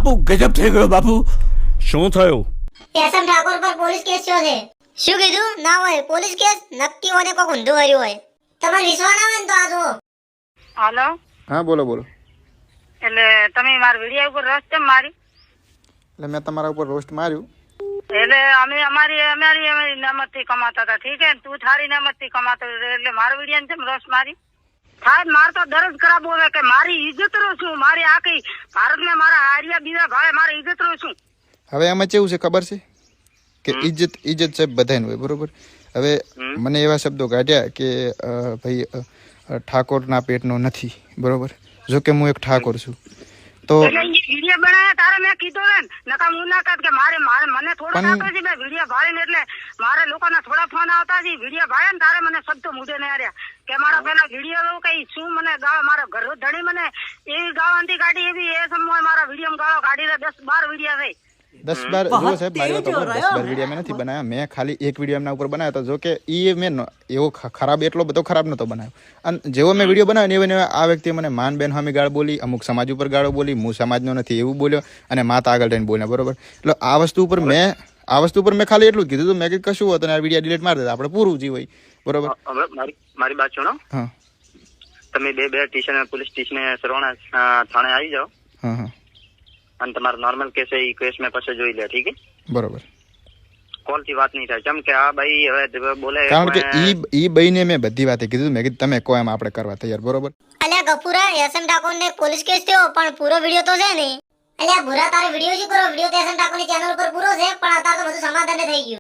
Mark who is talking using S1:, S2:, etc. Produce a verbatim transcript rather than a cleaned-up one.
S1: બાપુ ગજબ થઈ ગયો બાપુ.
S2: શું થયું?
S3: એસએમ ઠાકોર પર પોલીસ કેસ થયો છે. શું કીધું? ના હોય પોલીસ કેસ, નક્કી હોને કોક ઊંધું કર્યું હોય. તમારે વિશ્વાસ ના હોય ને તો આ જો.
S4: હાલો.
S5: હા બોલો બોલો.
S4: એટલે તમે મારા વિડિયો ઉપર રોસ્ટ કેમ મારી?
S5: એટલે મેં તમારા ઉપર રોસ્ટ માર્યું.
S4: એટલે અમે અમારી અમારી અમારી નમતથી કમાતા હતા, ઠીક હે? તું થારી નમતથી કમાતો એટલે મારા વિડિયો કેમ રોસ્ટ મારી? સાહેબ માર તો દરજ ખરાબ હોવે કે મારી ઇજ્જત રો છું, મારી આખી ભારતમાં મારા હારિયા બીજા ભાઈ મારી ઇજ્જત રો છું.
S5: હવે આમાં કેવું છે ખબર છે કે ઇજ્જત ઇજ્જત સાહેબ બધાને હોય, બરોબર? હવે મને એવા શબ્દો કાઢ્યા કે અ, ભાઈ અ, અ, ઠાકોરના પેટનો નથી, બરોબર? જો કે હું એક ઠાકોર છું તો
S4: એટલે ઈ વિડિયો બનાવ્યા તારે મેં કીધું ને નકા મુલાકાત કે મારે મારે મને થોડો
S5: પણ-
S4: આવતો છે મેં વિડિયો ભાળીને એટલે મારે લોકોના થોડા ફોન આવતા છે વિડિયો ભાળે ને તારે મને શબ્દો મુઢે ને આર્યા કે મારા પેલા વિડિયો કઈ શું મને ગાળ મારા ઘર ધણી મને એવી ગાળાંતી કાઢી એવી એ સમય મારા વિડિયો ગાળો કાઢીને દસ બાર વિડિયો થઈ.
S5: દસ બાર જો સાહેબ મારી વાત સાંભળો, દસ બાર વિડીયો મેં નથી બનાવ્યા. મેં ખાલી એક વિડીયો એમના ઉપર બનાવ્યો હતો. જો કે એ મેં ન- એવો ખ- ખરાબ એટલો બધો ખરાબ નતો બનાવ્યો. અને જેવો મેં વિડીયો બનાવ્યો ને એવો આ વ્યક્તિએ મને માન બેન સામે ગાળ બોલી, અમુક સમાજ ઉપર ગાળો બોલી, હું સમાજનો નથી એવું બોલ્યો અને માતા આગળ રહીને બોલ્યા, બરોબર? એટલે આ વસ્તુ ઉપર મેં આ વસ્તુ ઉપર મેં ખાલી એટલું જ કીધું હતું. મેં કીધું કશું હતું ને આ વિડીયો ડિલીટ મારી દેતા આપણે પૂરું જીવ હોય, બરોબર?
S6: હવે મારી મારી વાત સુનો.
S5: હા
S6: તમે બે બે સ્ટેશન પોલીસ સ્ટેશન સરવાણા અ, થાણે આવી જાઓ
S5: હા હા
S6: અને તમારો નોર્મલ કેસ એ કેસ મેં પછી જોઈ લે, ઠીક છે?
S5: બરોબર.
S6: કોલ થી વાત નહીં થાય કેમ કે આ ભાઈ હવે બોલે
S5: કારણ કે
S6: કોણે-
S5: ઈ ઈ બઈને મેં બધી વાતે કીધું. મેં કીધું તમે કહો એમ આપણે કરવા તૈયાર, બરોબર?
S3: અલ્યા ગફુરા, એસએમ ઠાકોર ને પોલીસ કેસ થયો પણ પૂરો વિડિયો તો છે ને. અલ્યા ભૂરા તારે વિડિયો શું કરો? વિડિયો તો એસએમ ઠાકોર ની ચેનલ ઉપર પૂરો છે પણ અત્યારે તો બધું સમાધાન થઈ ગયું.